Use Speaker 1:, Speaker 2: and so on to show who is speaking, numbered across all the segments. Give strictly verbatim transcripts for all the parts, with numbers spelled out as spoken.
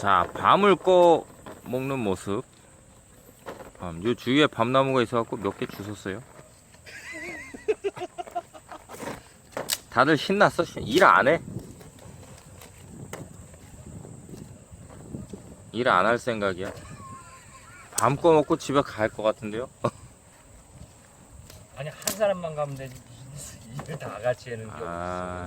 Speaker 1: 자, 밤을 꺼 먹는 모습. 밤. 요 주위에 밤나무가 있어갖고 몇 개 주웠어요. 다들 신났어. 일 안 해. 일 안 할 생각이야. 밤 꺼 먹고 집에 갈 것 같은데요.
Speaker 2: 아니 한 사람만 가면 되지. 일을 다 같이 하는 게
Speaker 1: 아,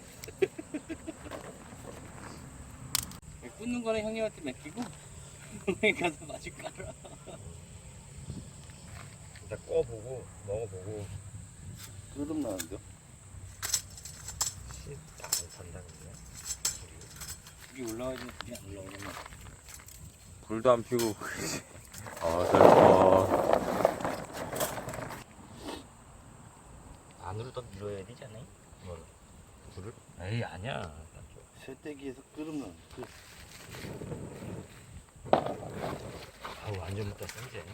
Speaker 3: 없어. 꽂는 거는 형님한테 맡기고 형님 가서 마실 깔아.
Speaker 2: 일단 꺼보고 먹어보고.
Speaker 3: 그러름 나는데요?
Speaker 2: 씨안 산다 근데.
Speaker 3: 불이 올라가지면 불이 안 올라오는 거.
Speaker 1: 불도 안 피고. 어설퍼.
Speaker 2: 안으로 더 밀어야 되지 않아요? 뭐 불을? 에이 아니야.
Speaker 3: 쇠떼기에서 끓으면 그
Speaker 2: 아우 완전 못다 센지.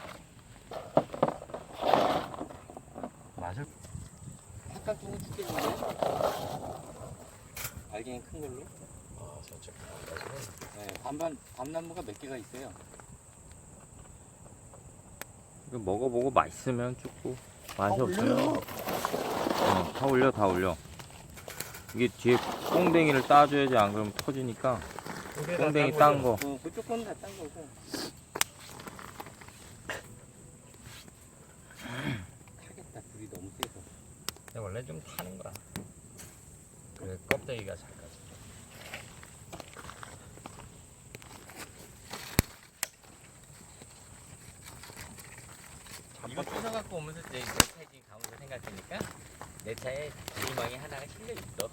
Speaker 2: 맛을
Speaker 3: 팍팍 두고 죽겠는데? 알갱이 큰 걸로?
Speaker 2: 아 살짝
Speaker 3: 네, 반반 밤나무가 몇 개가 있어요.
Speaker 1: 이거 먹어보고 맛있으면 죽고 맛이 없으면 어, 다 올려 다 올려. 이게 뒤에 꽁댕이를 따줘야지, 안 그러면 터지니까. 꽁댕이 딴 거.
Speaker 3: 어, 그쪽 거는 다 딴 거고. 타겠다, 불이 너무 세서.
Speaker 2: 근데 원래 좀 타는 거야. 그래 껍데기가 잘 가지.
Speaker 3: 이거 쫓아갖고 오면서 내 차에 지금 가면서 생각하니까 내 차에 구멍이 하나가 실려 있어.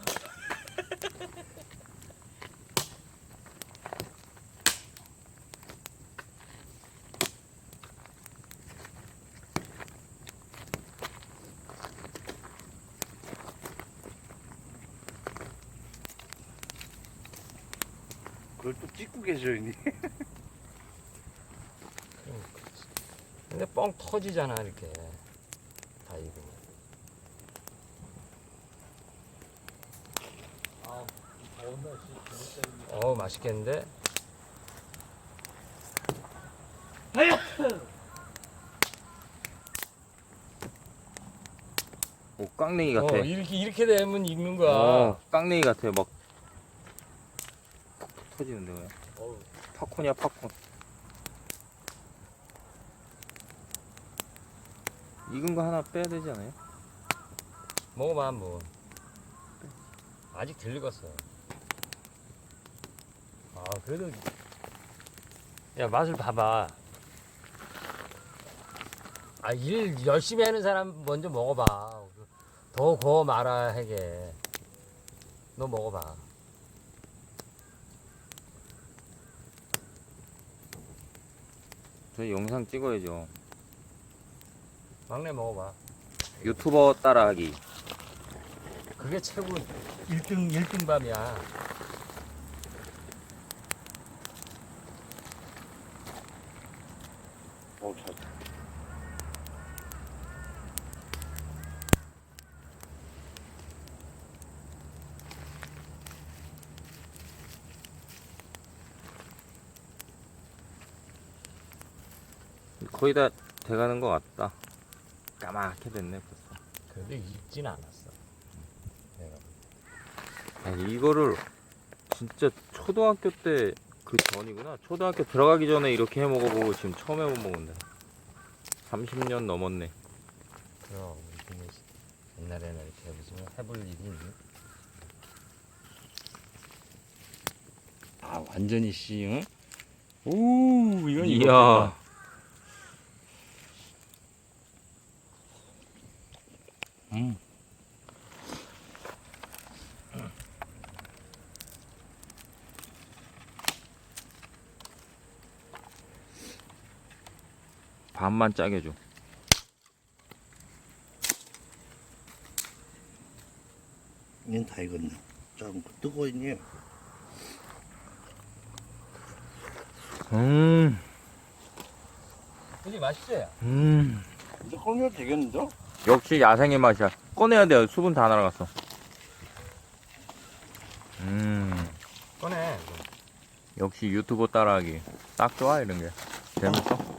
Speaker 4: 그걸 또 찍고 계셔, 형님.
Speaker 2: 근데 뻥 터지잖아 이렇게. 다 이거.
Speaker 3: 아, 더운 날씨 재밌다.
Speaker 2: 어 맛있겠는데?
Speaker 1: 오, 깡냉이 같아.
Speaker 2: 어 이렇게 이렇게 되면 익는 거야.
Speaker 1: 어, 깡냉이 같아. 막 톡톡 터지는데 그냥.
Speaker 2: 어우.
Speaker 1: 팝콘이야 팝콘. 익은 거 하나 빼야 되지 않아요?
Speaker 2: 먹어봐 한번. 아직 덜 익었어. 아 그래도 야 맛을 봐봐. 아 일 열심히 하는 사람 먼저 먹어봐. 더 구워 말아 하게. 너 먹어봐.
Speaker 1: 저희 영상 찍어야죠.
Speaker 2: 막내 먹어봐.
Speaker 1: 유튜버 따라하기.
Speaker 2: 그게 최고 일 등 일 등 밤이야.
Speaker 4: 어, 잘.
Speaker 1: 거의 다 돼가는 것 같다. 까맣게 됐네 벌써.
Speaker 2: 그런데 익진 않았어. 내가.
Speaker 1: 아니, 이거를 진짜 초등학교 때 그 전이구나. 초등학교 들어가기 전에 이렇게 해 먹어보고 지금 처음 해먹는데. 삼십 년 넘었네.
Speaker 2: 그럼 이게 옛날에는 이렇게 무슨 해볼 일이 있니? 아 완전히 씨, 응? 오 이건
Speaker 1: 이야.
Speaker 2: 음.
Speaker 1: 반만 짜게 줘.
Speaker 4: 얘는 다 익었네. 좀 뜨거워 있니?
Speaker 1: 음,
Speaker 2: 그지 맛있지?
Speaker 1: 음.
Speaker 4: 이제 꺼내도 되겠는데?
Speaker 1: 역시 야생의 맛이야. 꺼내야 돼요. 수분 다 날아갔어. 음, 역시 유튜버 따라하기 딱 좋아 이런 게 재밌어.